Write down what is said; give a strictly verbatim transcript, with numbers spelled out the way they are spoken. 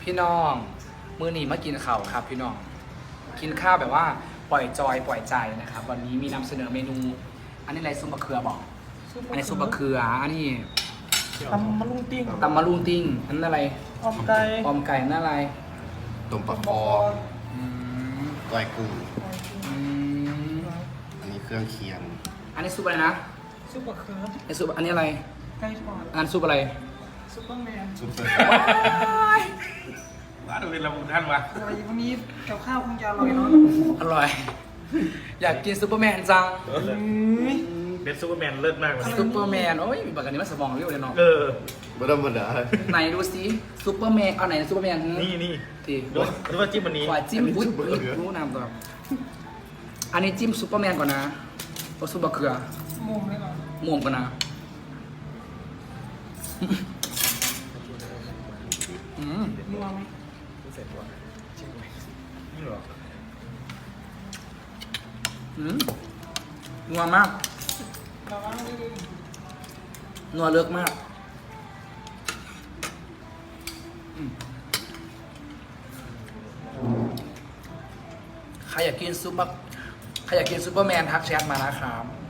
พี่น้องมื้อนี้มากินข้าวครับพี่น้องกินข้าวแบบว่าปล่อยจอยปล่อยใจนะครับวันนี้มีนำเสนอเมนู อันนี้อะไรซุปมะเขือบอกอันนี้ซุปมะเขืออันนี้ตำมะลุงติ้งตำมะลุงติ้งอันนั้นอะไรออมไก่ออมไก่นั่นอะไรต้มปลาคออืมก้อยกุ้งอืมอันนี้เครื่องเคียงอันนี้ซุปอะไรนะซุปมะเขือไอนซุปอันนี้อะไรไก่ทอดอันซุปอะไรซุปเปอร์แมนซุปเปอร์ว้าดูเป็นระบุท่านวะอะไรวันนี้กับข้าวคงจะอร่อยเนาะอร่อย อยากกินซุปเปอร์แมนจังเป็นซูเปอร์แมนเลิศมากเลยซุปเปอร์แมนโอ้ยมีบักอันนี้มันสมองเรียวเลยเนาะเออไม่ธรรมดาไหนดูสิซุปเปอร์แมนเอาไหนซุปเปอร์แมนนี่นี่ทีดูดูว่าจิ้มวันนี้ขวาจิ้มอุ้ยรู้นำก่อนอันนี้จิ้มซุปเปอร์แมนก่อนนะโอ้ซุปมะเขือมุมเลยก่อนม่วงก่อนนะอืมนัวไหมนี่หรออืมนัวมากเราว่าไม่ได้นัวเลิกมากอืมใครอยากกินซุปเปอร์ใครอยากกินซุปเปอร์แมนทักแชทมานะครับ